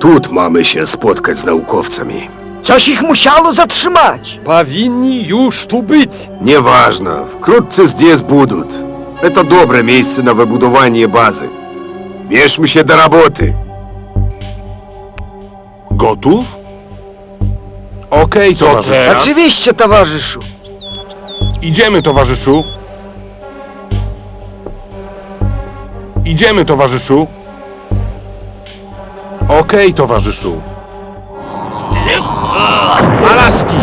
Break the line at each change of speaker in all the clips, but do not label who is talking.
Тут mamy się spotkać z naukowcami.
Coś ich musiało zatrzymać.
Powinni już tu być.
Nieważne, wkrótce здесь будут. Это dobre miejsce na wybudowanie bazy. Bierzmy się do roboty.
Gotów? Okej, towarzyszu.
teraz?
Oczywiście, towarzyszu.
Idziemy, towarzyszu. Idziemy, towarzyszu. Okej, towarzyszu. Alaski!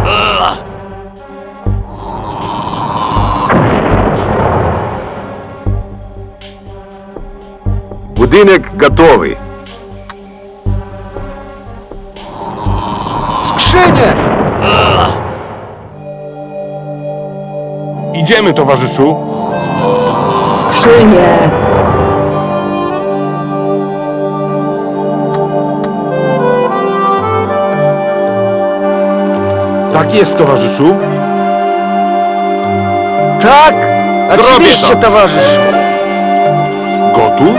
Budynek gotowy.
Skrzynie!
Idziemy, towarzyszu.
Skrzynie!
Tak jest, towarzyszu.
Tak! Oczywiście,
to.
towarzyszu.
Gotów?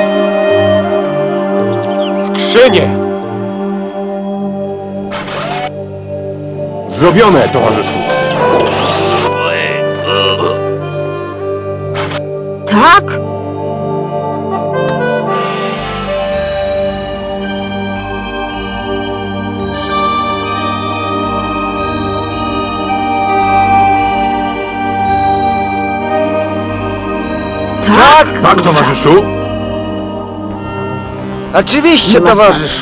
Skrzynie.
Zrobione, towarzyszu.
Tak? Tak?
Tak, towarzyszu.
Oczywiście, towarzyszu.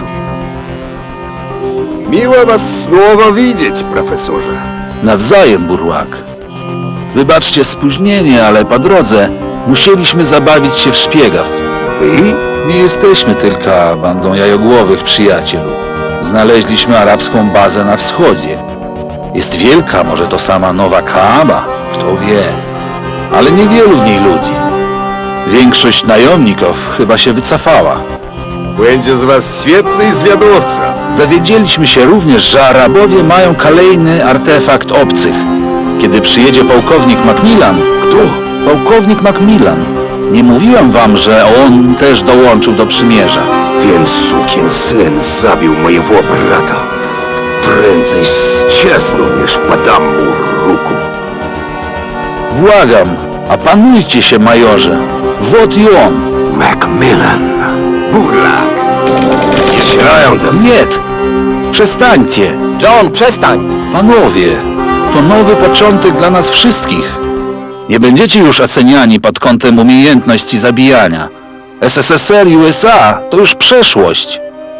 Miło was znowu widzieć, profesorze.
Nawzajem, Burłak. Wybaczcie spóźnienie, ale po drodze musieliśmy zabawić się w szpiegów.
Wy?
Nie jesteśmy tylko bandą jajogłowych przyjaciół. Znaleźliśmy arabską bazę na wschodzie. Jest wielka, może to sama Nowa Kaaba, kto wie. Ale niewielu w niej ludzi. Większość najomników chyba się wycofała.
Będzie z was świetny zwiadowca.
Dowiedzieliśmy się również, że Arabowie mają kolejny artefakt obcych. Kiedy przyjedzie pułkownik Macmillan...
Kto?
Pułkownik Macmillan. Nie mówiłem wam, że on też dołączył do przymierza.
Ten sukin syn zabił mojego brata. Prędzej zczesną niż podam mu ruku.
Błagam, opanujcie się, majorze. Wot i on.
Macmillan. Burlak. Nie strzelają do mnie.
Nie! Przestańcie!
John, przestań.
Panowie, to nowy początek dla nas wszystkich. Nie będziecie już oceniani pod kątem umiejętności zabijania. SSSR i USA to już przeszłość.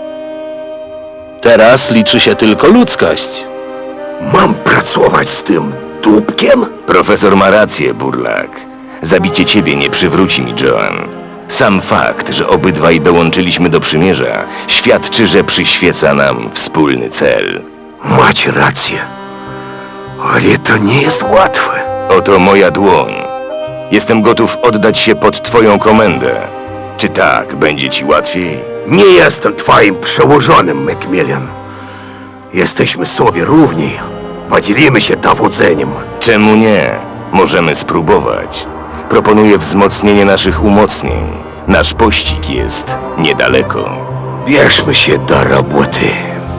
Teraz liczy się tylko ludzkość.
Mam pracować z tym dupkiem?
Profesor ma rację, Burlak. Zabicie ciebie nie przywróci mi Joan. Sam fakt, że obydwaj dołączyliśmy do przymierza, świadczy, że przyświeca nam wspólny cel.
Macie rację. Ale to nie jest łatwe.
Oto moja dłoń. Jestem gotów oddać się pod twoją komendę. Czy tak będzie ci łatwiej?
Nie jestem twoim przełożonym, Macmillan. Jesteśmy sobie równi. Podzielimy się dowodzeniem.
Czemu nie? Możemy spróbować. Proponuję wzmocnienie naszych umocnień. Nasz pościg jest niedaleko.
Bierzmy się do roboty.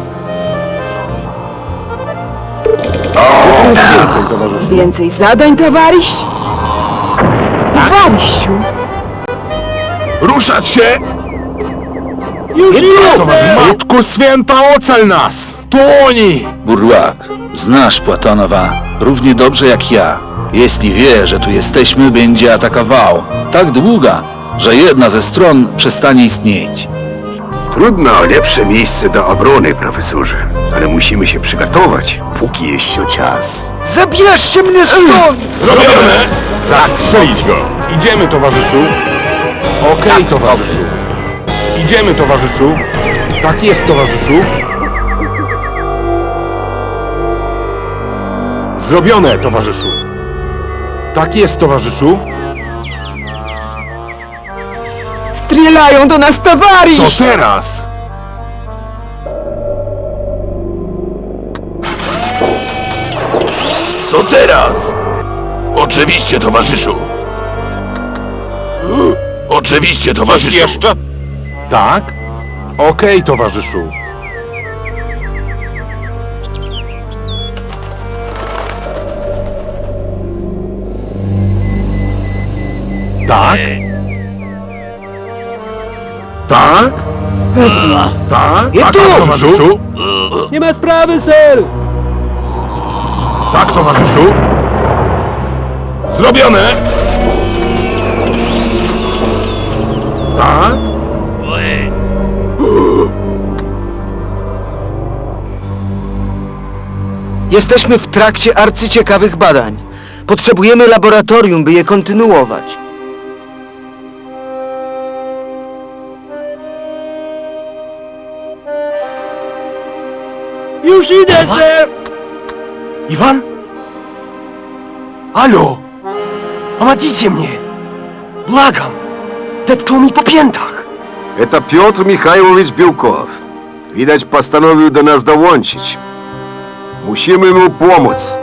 Więcej, towarzyszu.
Więcej zadań, towarzysz? Towarzyszu,
Ruszać się!
Już
Matko Święta, ocal nas! To oni!
Burłak, znasz Platonowa równie dobrze jak ja. Jeśli wie, że tu jesteśmy, będzie atakował. Tak długo, że jedna ze stron przestanie istnieć.
Trudno o lepsze miejsce do obrony, profesorze. Ale musimy się przygotować, póki jeszcze czas.
Zabierzcie mnie stąd!
Zrobione! Zastrzelić go! Idziemy, towarzyszu. Okej, towarzyszu. Idziemy, towarzyszu. Tak jest, towarzyszu. Zrobione, towarzyszu. Tak jest, towarzyszu.
strzelają do nas, towarzysz!
Co teraz?
Co teraz? Oczywiście, towarzyszu. Oczywiście, towarzyszu.
Jeszcze?
Tak? Okej, towarzyszu. Tak? Tak? Tak?
I
Tak,
tu!
towarzyszu?
Nie ma sprawy, ser!
Tak, towarzyszu? Zrobione! Tak?
Jesteśmy w trakcie arcyciekawych badań. Potrzebujemy laboratorium, by je kontynuować.
Już idę, ser!
Iwan? Alo! Pomagijcie mnie! Błagam! Depczą mi po piętach!
Это Петр Михайлович Белков. Widać, postanowił do nas dołączyć. Musimy mu pomóc.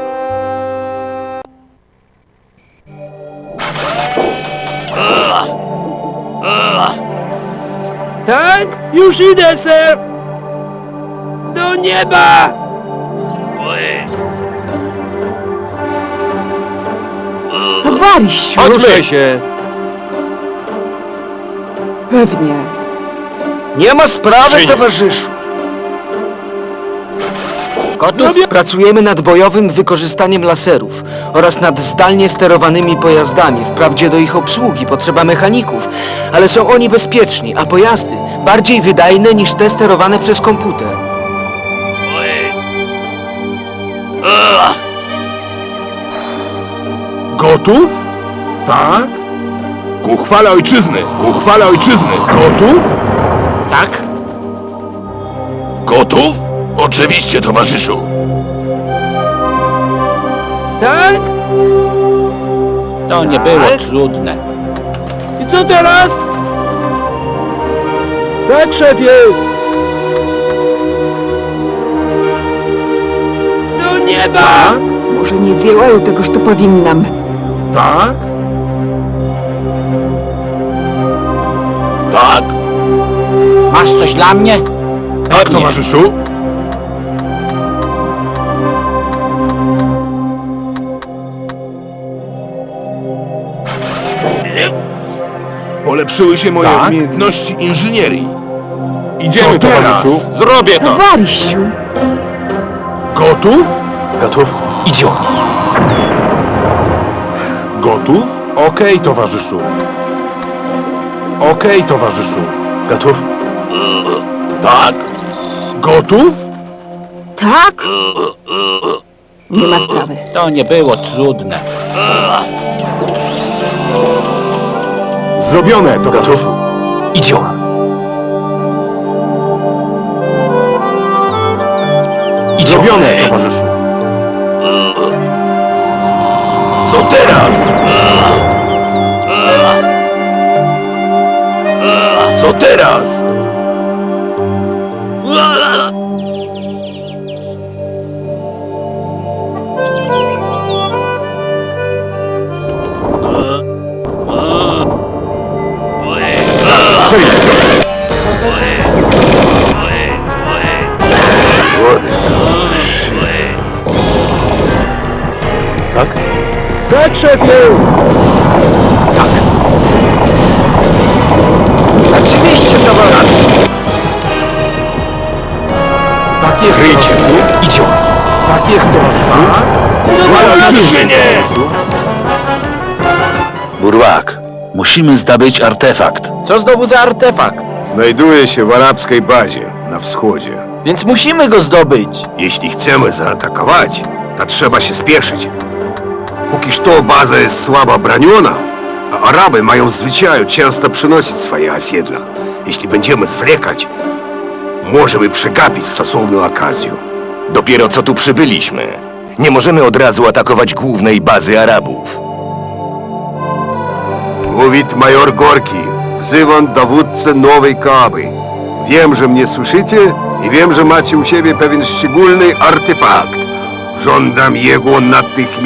Tak? Już idę, ser! Do nieba!
Towarysiu,
Ruszaj się!
pewnie.
Nie ma sprawy,
Skrzynie.
towarzyszu.
Gotów?
Pracujemy nad bojowym wykorzystaniem laserów oraz nad zdalnie sterowanymi pojazdami. Wprawdzie do ich obsługi potrzeba mechaników, ale są oni bezpieczni, a pojazdy bardziej wydajne niż te sterowane przez komputer.
Gotów? Tak? Ku chwale ojczyzny! Ku chwale ojczyzny! Gotów?
Tak?
Gotów? Oczywiście, towarzyszu!
Tak?
To nie było trudne.
I co teraz? Tak, szefie! Do nieba!
Może nie działają tegoż to powinnam.
Tak? Tak?
Masz coś dla mnie?
Tak, towarzyszu? Polepszyły się moje umiejętności inżynierii. Idziemy, towarzyszu.
Zrobię to!
Towarysiu,
Gotów?
Gotów? Idziemy!
Gotów? Okej, towarzyszu. Okej, towarzyszu.
Gotów?
Tak? Gotów?
tak? Nie ma sprawy.
To nie było trudne.
Zrobione, towarzyszu.
Idziemy!
Zrobione, towarzyszu.
Co teraz? Co teraz?
Tak?
Tak, szefie!
Oczywiście, towarzyszu.
Tak jest, towarzyszu.
Idziemy!
Tak jest, towarzyszu. Chwale ojczyzny!
Burłak, musimy zdobyć artefakt.
Co znowu za artefakt?
Znajduje się w arabskiej bazie na wschodzie.
Więc musimy go zdobyć.
Jeśli chcemy zaatakować, to trzeba się spieszyć. Póki что baza jest słabo broniona, a Araby mają w zwyczaju często przynosić swoje osiedla. Jeśli będziemy zwlekać, możemy przegapić stosowną okazję.
Dopiero co tu przybyliśmy. Nie możemy od razu atakować głównej bazy Arabów.
Mówić major Gorki. Wzywam dowódcę nowej Kaaby. Wiem, że mnie słyszycie i wiem, że macie u siebie pewien szczególny artefakt. Żądam jego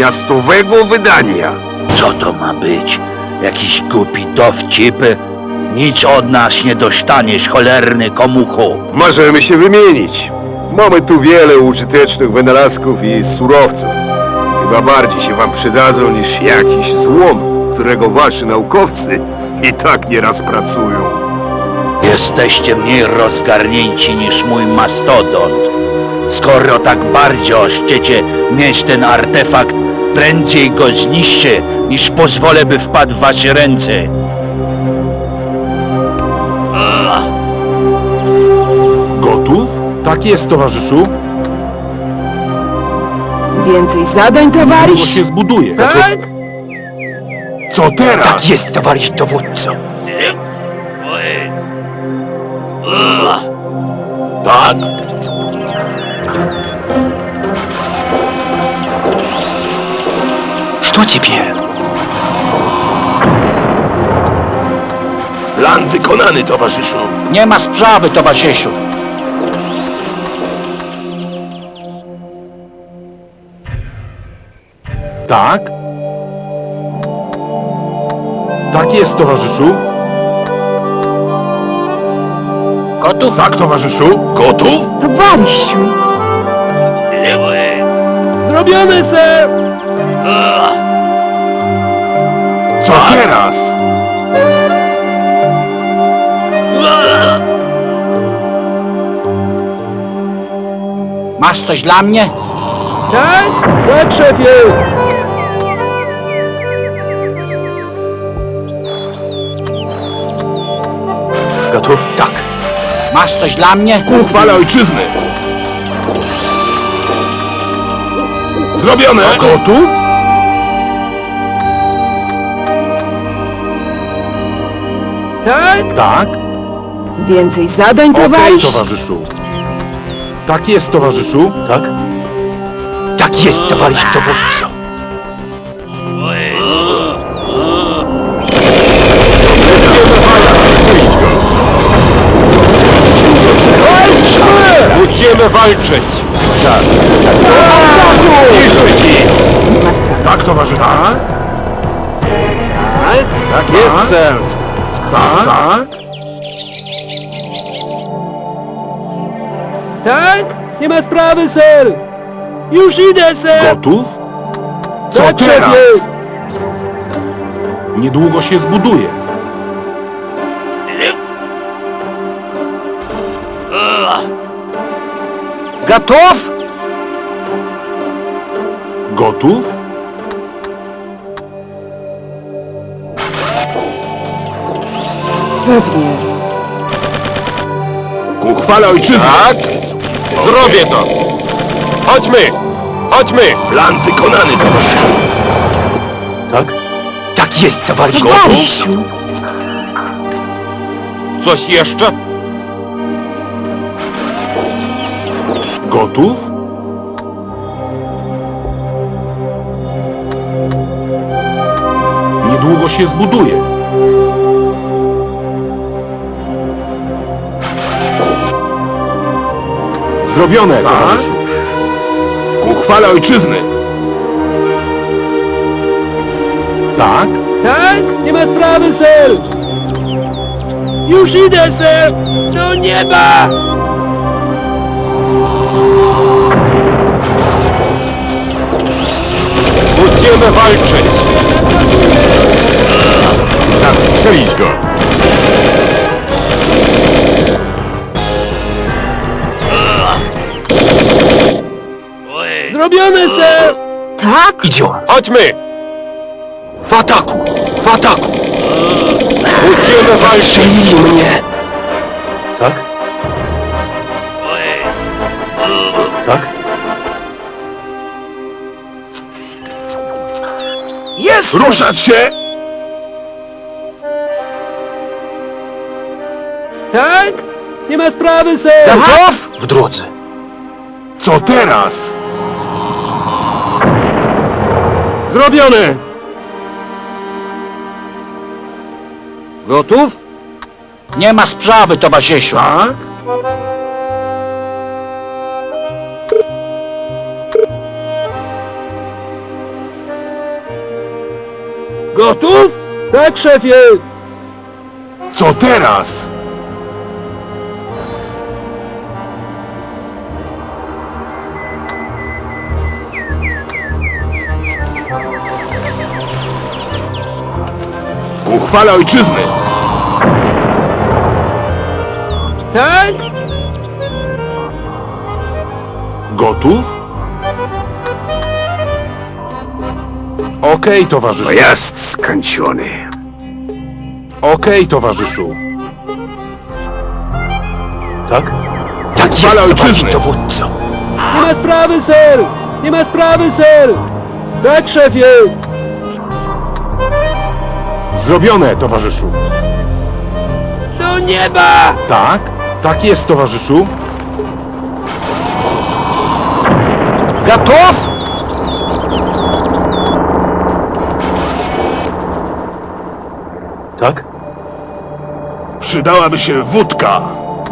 natychmiastowego wydania.
Co to ma być? Jakiś głupi dowcip? Nic od nas nie dostaniesz, cholerny komuchu.
Możemy się wymienić. Mamy tu wiele użytecznych wynalazków i surowców. Chyba bardziej się wam przydadzą niż jakiś złom, którego wasi naukowcy i tak nieraz pracują.
Jesteście mniej rozgarnięci niż mój mastodont. Skoro tak bardzo chcecie mieć ten artefakt, prędzej go zniszczę, niż pozwolę, by wpadł w wasze ręce.
Gotów? Tak jest, towarzyszu.
Więcej zadań,
Niedługo
towarzysz?
się zbuduje.
Tak?
Co teraz?
Tak jest, towarzysz dowódco.
Tak.
Что теперь?
Plan wykonany, towarzyszu.
Nie ma sprawy, towarzyszu.
Tak? Tak jest, towarzyszu.
Gotów?
Tak, towarzyszu. Gotów?
Towarzyszu,
Zrobione, ser!
Co teraz?
Masz coś dla mnie?
Tak? Tak, szefie!
Gotów? Tak.
Masz coś dla mnie?
Ku chwale ojczyzny. Zrobione. Gotów?
Tak?
Tak.
więcej zadań,
Okej,
towarzysz?
towarzyszu. Tak jest, towarzyszu.
Tak? Tak jest, towarzysz dowódco.
Musimy walczyć. Czas. Niszczyć ich.
Nie ma sprawy.
Tak, towarzyszu. Tak? Tak jest, ser. Tak? Tak?
Tak? Nie ma sprawy, ser! Już idę, ser!
Gotów? Co
Tak,
teraz?
szefie!
Niedługo się zbuduje.
Gotów?
Gotów?
Pewnie.
Ku chwale ojczyzny. Tak? Zrobię to. Chodźmy. Chodźmy. Plan wykonany, towarzyszu.
Tak? Tak jest, towarzysz
Towarzyszu,
Coś jeszcze? Gotów? Niedługo się zbuduje. Zrobione, towarzyszu. Ku chwale ojczyzny. Tak?
Tak? Nie ma sprawy, ser! Już idę, ser! Do nieba!
Musimy walczyć. Zastrzelić go.
Zrobione, ser!
tak?
Idziemy.
Chodźmy.
W ataku! W ataku!
Musimy walczyć.
Strzelili mnie! Tak? Tak?
Jest! Ruszać się!
Tak? Nie ma sprawy, ser!
Gotów? W drodze.
Co teraz?
Zrobione! Gotów?
Nie ma sprawy, towarzyszu.
Tak?
Gotów? Tak, szefie!
Co teraz? Ku chwale ojczyzny!
Tak?
Gotów? Okej, towarzyszu.
Pojazd skończony.
Okej, towarzyszu.
Tak? Tak jest,
Chwala
towarzysz
ojczyzny!
dowódco.
Nie ma sprawy, ser! Nie ma sprawy, ser! Tak, szefie!
Zrobione, towarzyszu.
Do nieba!
Tak? Tak jest, towarzyszu.
Gotów?
Tak?
Przydałaby się wódka.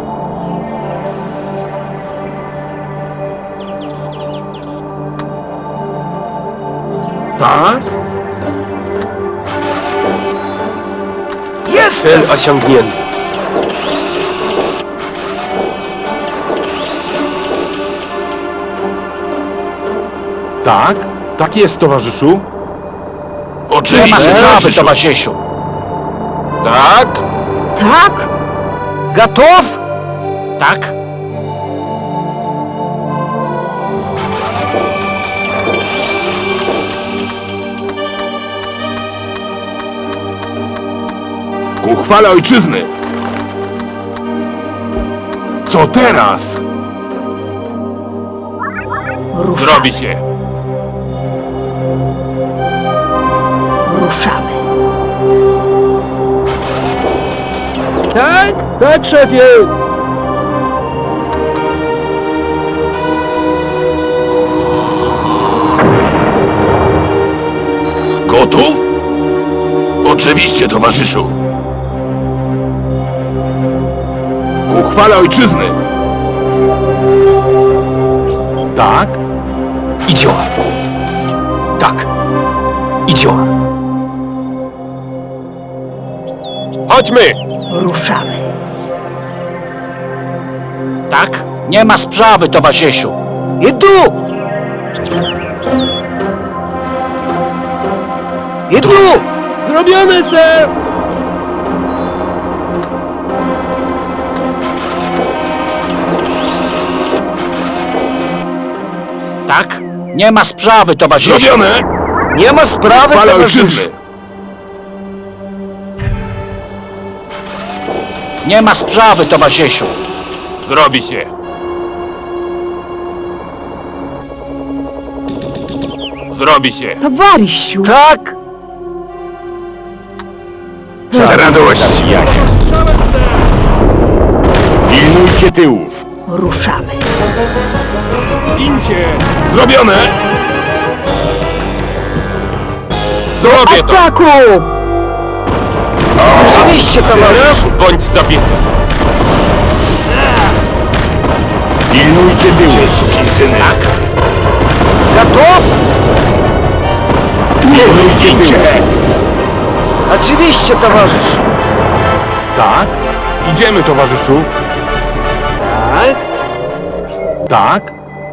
Tak?
Jest! Cel osiągnięty.
Tak? Tak jest, towarzyszu.
Nie ma
Oczywiście,
sprawy,
towarzyszu.
towarzyszu.
Tak?
Tak?
Gotów?
Tak?
Ku chwale ojczyzny! Co teraz?
Ruszamy.
się.
Ruszamy.
Tak? Tak, szefie!
Gotów? Oczywiście, towarzyszu. Ku chwale ojczyzny! Tak?
I działa. Tak. I działa.
Chodźmy!
Ruszamy.
Tak? Nie ma sprawy, towarzyszu.
I tu! I tu!
Zrobione, ser!
Tak? Nie ma sprawy, towarzyszu.
Zrobione!
Nie ma sprawy,
Chwale
towarzyszu.
ojczyzny!
Nie ma sprawy, towarzyszu.
Zrobi się! Zrobi się!
Towarysiu.
Tak!
Za radość!
Pilnujcie tyłów!
Ruszamy.
Gincie! Zrobione! Zrobię to!
Ataku!
Oczywiście, towarzyszu.
Bądź zabity! Pilnujcie tyłów! Sukinsyny! Tak?
Gotów?
Pilnujcie tyłów!
Oczywiście, towarzyszu.
Tak? Idziemy, towarzyszu!
Tak?
Tak?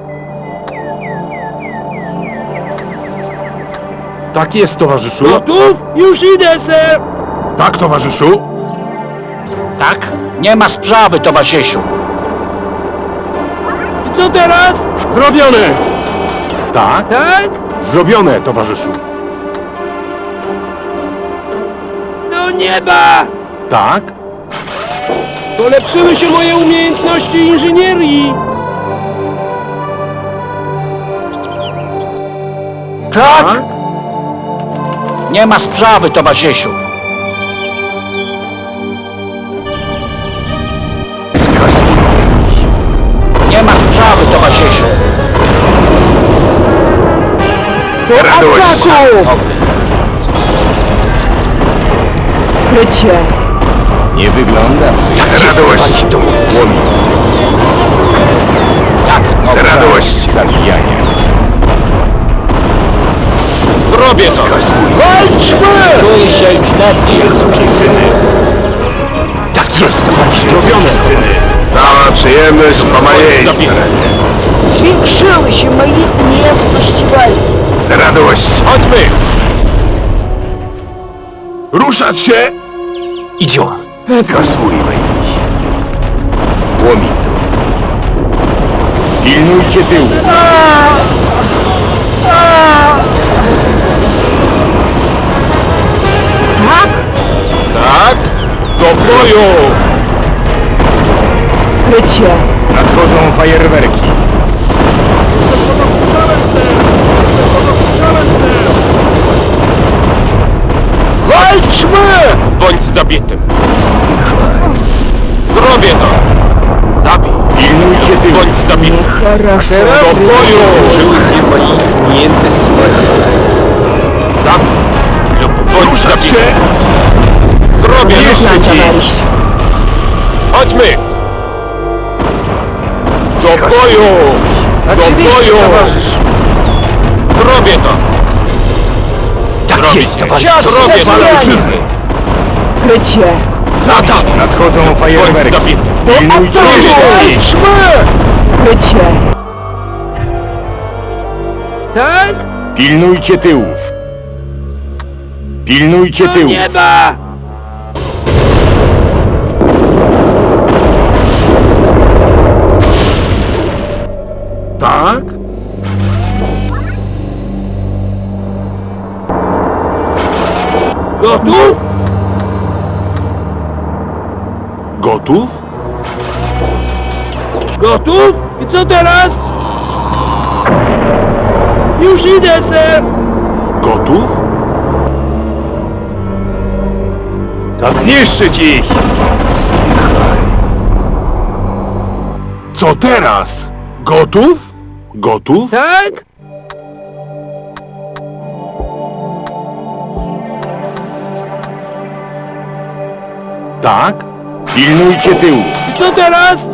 Tak jest, towarzyszu!
Gotów? Już idę, ser!
Tak, towarzyszu!
Tak? Nie ma sprawy, towarzyszu.
I co teraz?
Zrobione! Tak?
Tak?
Zrobione, towarzyszu!
Do nieba!
Tak?
Polepszyły się moje umiejętności inżynierii!
Tak?
Nie ma sprawy, towarzyszu. Nie ma sprawy, towarzyszu.
Do
radość.
ataku! Krycie.
Nie wygląda
Za radość!
Tak,
Za radość!
zabijanie.
Robię to!
Walczmy!
czuję się już lepiej.
Sukinsyny!
Tak jest, towarzysz
Zrobione, syny. Cała przyjemność po mojej stronie.
Zwiększyły się moje umiejętności walki.
Z radością.
Chodźmy!
Ruszać się!
Idziemy.
Skasujmy ich. Łomi to. Pilnujcie tyłu.
Tak?
Tak? Do boju!
Krycie.
Nadchodzą fajerwerki.
Walczmy! Bądź zabitym. Zrobię to! Zabij!
Pilnujcie tyłu.
Bądź zabity!
Хорошо.
Do boju! Zabij! Lub bądź
Ruszać
zabity!
się!
Zrobię to!
Zniszczyć ich.
Товарищ.
Chodźmy! Do
Skasuj.
boju! Do
Oczywiście,
boju!
towarzysz.
Zrobię to!
Tak
Zrobić.
jest, towarzysz.
Zrobię to!
Ojczyzny.
Krycie.
Za tak! Nadchodzą
Bądź
fajerwerki.
zabity!
Pilnujcie ich.
Krycie.
Tak?
Pilnujcie tyłów. Pilnujcie
Do
tyłów.
nieba!
Tak?
Gotów?
Gotów?
Gotów? I co teraz? Już idę, ser!
Gotów? To zniszczyć ich! Co teraz? Gotów? Gotów?
Tak?
Tak? Pilnujcie tyłu.
I co teraz?